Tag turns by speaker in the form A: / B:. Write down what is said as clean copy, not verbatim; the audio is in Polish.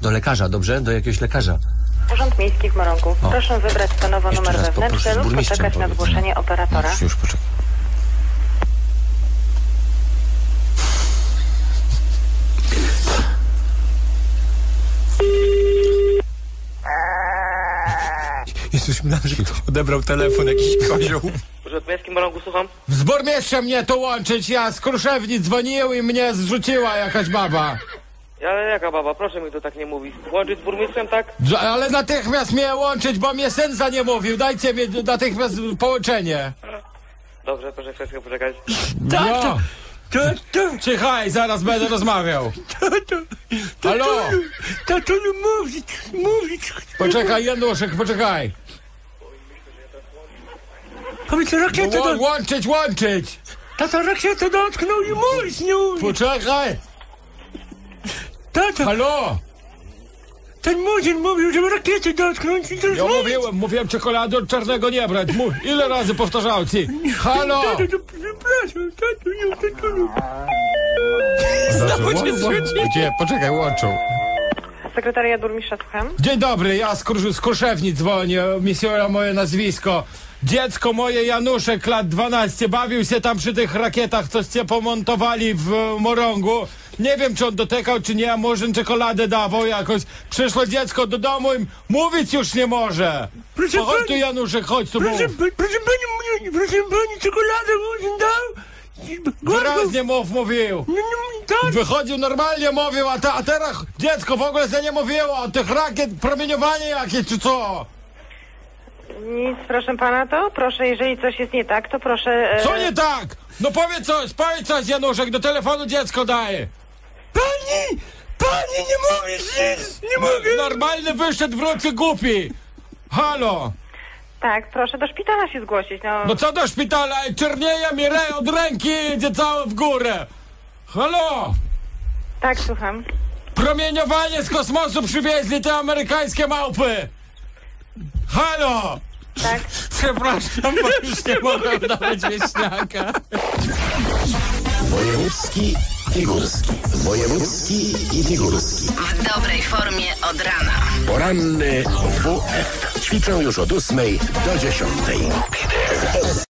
A: Do lekarza, dobrze? Do jakiegoś lekarza.
B: Urząd Miejski w Morągu. Proszę wybrać stanowo
A: Jeszcze
B: numer
A: raz
B: wewnętrzny
A: poproszę z
B: lub
A: burmistrzem
B: poczekać na
A: powiedz,
B: zgłoszenie operatora.
A: Już poczekaj. Jezus, myślałem, że ktoś odebrał telefon, jakiś kozioł.
C: Urząd Miejski w Morągu, słucham?
D: Z burmistrzem mnie to łączyć, ja z Kruszewni dzwonił i mnie zrzuciła jakaś baba.
C: Ale jaka baba? Proszę mi to tak nie mówić. Łączyć z burmistrzem, tak?
D: Ale natychmiast mnie łączyć, bo mnie syn za nie mówił. Dajcie mi natychmiast połączenie.
C: Dobrze, proszę chwilę poczekać.
D: No. Cichaj, zaraz będę rozmawiał. Halo?
A: Tato, no mówić.
D: Poczekaj, Januszek, poczekaj.
A: Powiedz, rakietę
D: Łączyć.
A: Tato, rakietę dotknął i mówić nie umie.
D: Poczekaj.
A: Tato,
D: Halo?
A: ten młodzień mówił, żeby rakiety dotknąć i
D: Ja mówiłem czekolady od czarnego nie brać. Ile razy powtarzał ci? Halo?
A: Tato, przepraszam,
D: Gdzie? Poczekaj, łączą.
B: Sekretariat burmistrza, słucham.
D: Dzień dobry, ja z Kruszewni dzwonię, misjora moje nazwisko. Dziecko moje Januszek, lat 12, bawił się tam przy tych rakietach, coście pomontowali w Morągu. Nie wiem, czy on dotykał, czy nie, a może czekoladę dawał jakoś. Przyszło dziecko do domu i mówić już nie może.
A: Proszę
D: Chodź
A: pani-
D: tu, Januszek, chodź tu, mów.
A: Proszę pani, czekoladę mu dał?
D: Wyraźnie mówił.
A: Tak,
D: Wychodził normalnie, mówił, a teraz dziecko w ogóle się nie mówiło o tych rakiet, promieniowanie jakieś, czy co?
B: Nic, proszę pana, to proszę, jeżeli coś jest nie tak, to proszę...
D: Co nie tak? No powiedz coś, Januszek, do telefonu dziecko daje.
A: Pani, nie mówisz nic, nie mogę.
D: Normalny wyszedł w rucy głupi. Halo.
B: Tak, proszę do szpitala się zgłosić, no.
D: No co do szpitala? Czernieje mi od ręki, idzie całe w górę. Halo.
B: Tak, słucham.
D: Promieniowanie z kosmosu przywieźli te amerykańskie małpy. Halo.
B: Tak.
D: Przepraszam, bo już nie mogę dawać wieśniaka.
E: Wojewódzki i górski. Wojewódzki i górski.
F: W dobrej formie od rana.
E: Poranny WF. Ćwiczę już od 8 do 10.